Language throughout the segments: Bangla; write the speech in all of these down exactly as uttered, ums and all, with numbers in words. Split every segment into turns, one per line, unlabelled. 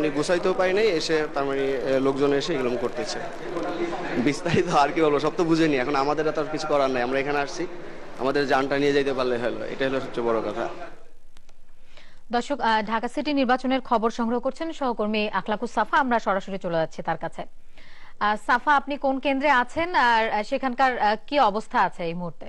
মানে গুছাইতেও পারি নাই, এসে তার মানে লোকজন এসে এগুলো করতেছে। বিস্তারিত আর কি বলবো, সব তো বুঝেনি, এখন আমাদের তো আর কিছু করার নাই। আমরা এখানে আসছি, আমাদের জানটা নিয়ে যেতে পারলে হলো, এটা হলো সবচেয়ে বড় কথা।
দর্শক, ঢাকা সিটি নির্বাচনের খবর সংগ্রহ করছেন সহকর্মী আখলাকুস সাফা। আমরা সরাসরি চলে যাচ্ছি তার কাছে। সাফা, আপনি কোন কেন্দ্রে আছেন আর সেখানকার কি অবস্থা আছে এই মুহূর্তে?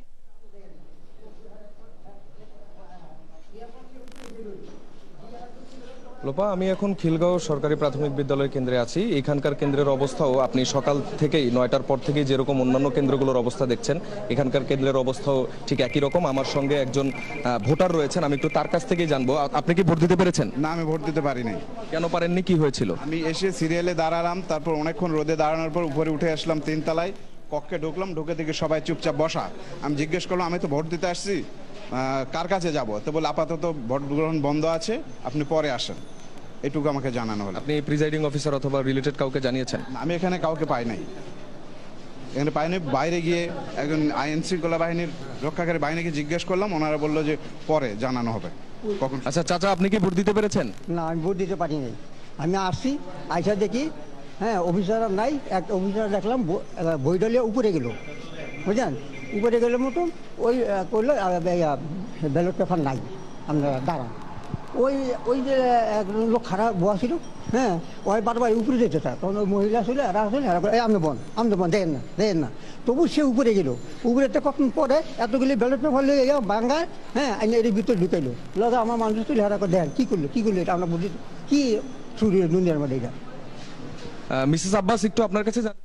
লোপা, আমি এখন খিলগাঁও সরকারি প্রাথমিক বিদ্যালয় কেন্দ্রে আছি। এখানকার কেন্দ্রের অবস্থাও আপনি সকাল থেকেই নয়টার পর থেকেই যেরকম অন্যান্য কেন্দ্রগুলোর অবস্থা দেখছেন, এখানকার কেন্দ্রের অবস্থাও ঠিক একই রকম। আমার সঙ্গে একজন ভোটার রয়েছেন, আমি একটু তার কাছ থেকেই জানবো। আপনি কি ভোট দিতে পেরেছেন?
না, আমি ভোট দিতে পারিনি।
কেন পারেননি, কি হয়েছিল?
আমি এসে সিরিয়ালে দাঁড়ালাম, তারপর অনেকক্ষণ রোদে দাঁড়ানোর পর উপরে উঠে আসলাম তিনতলায়, কক্ষে ঢুকলাম, ঢুকে থেকে সবাই চুপচাপ বসা। আমি জিজ্ঞেস করলাম আমি তো ভোট দিতে আসছি, কার কাছে যাব? তো বলে আপাতত ভোট গ্রহণ বন্ধ আছে, আপনি পরে আসেন, এটুকু আমাকে জানানো হলো।
আপনি প্রিজাইডিং অফিসার অথবা রিলেটেড কাউকে জানিয়েছেন?
আমি এখানে কাউকে পাই নাই, এখানে পাইনি। বাইরে গিয়ে একজন আইন শৃঙ্খলা বাহিনীর রক্ষাকারী বাহিনীকে জিজ্ঞেস করলাম, ওনারা বললো যে পরে জানানো হবে কখন।
আচ্ছা চাচা, আপনি কি ভোট দিতে পেরেছেন?
না, আমি ভোট দিতে পারি নাই। আমি আসছি, আইসা দেখি হ্যাঁ অফিসার নাই, একটা অফিসার দেখলাম বইডালিয়া উপরে গেল, বুঝলেন, উপরে গেলে মতন ওই করলো ব্যালট পেপার নাই, আমরা দাঁড়ান। ওই ওই যে একজন লোক খারাপ বয়া ছিল, হ্যাঁ, ওই বারবার উপরে যেতে চায়, তখন ওই মহিলা ছিল, এরা আসলে এই আমি বন আমি বন দেখেন না দেখেন না, তবু সে উপরে গেল। উপরে তো কখন পরে এতগুলি ব্যালট পেপার লেগে গেল বাঙ্গায়, হ্যাঁ, এর ভিতরে ঢুকাইলো। দাদা আমার মানুষ তুলে হারা করে দেখেন কী করলো কী করলো, এটা আমরা বুঝি কি শুরু দুনিয়ার মধ্যে এটা।
মিসেস আব্বাস, একটু আপনার কাছে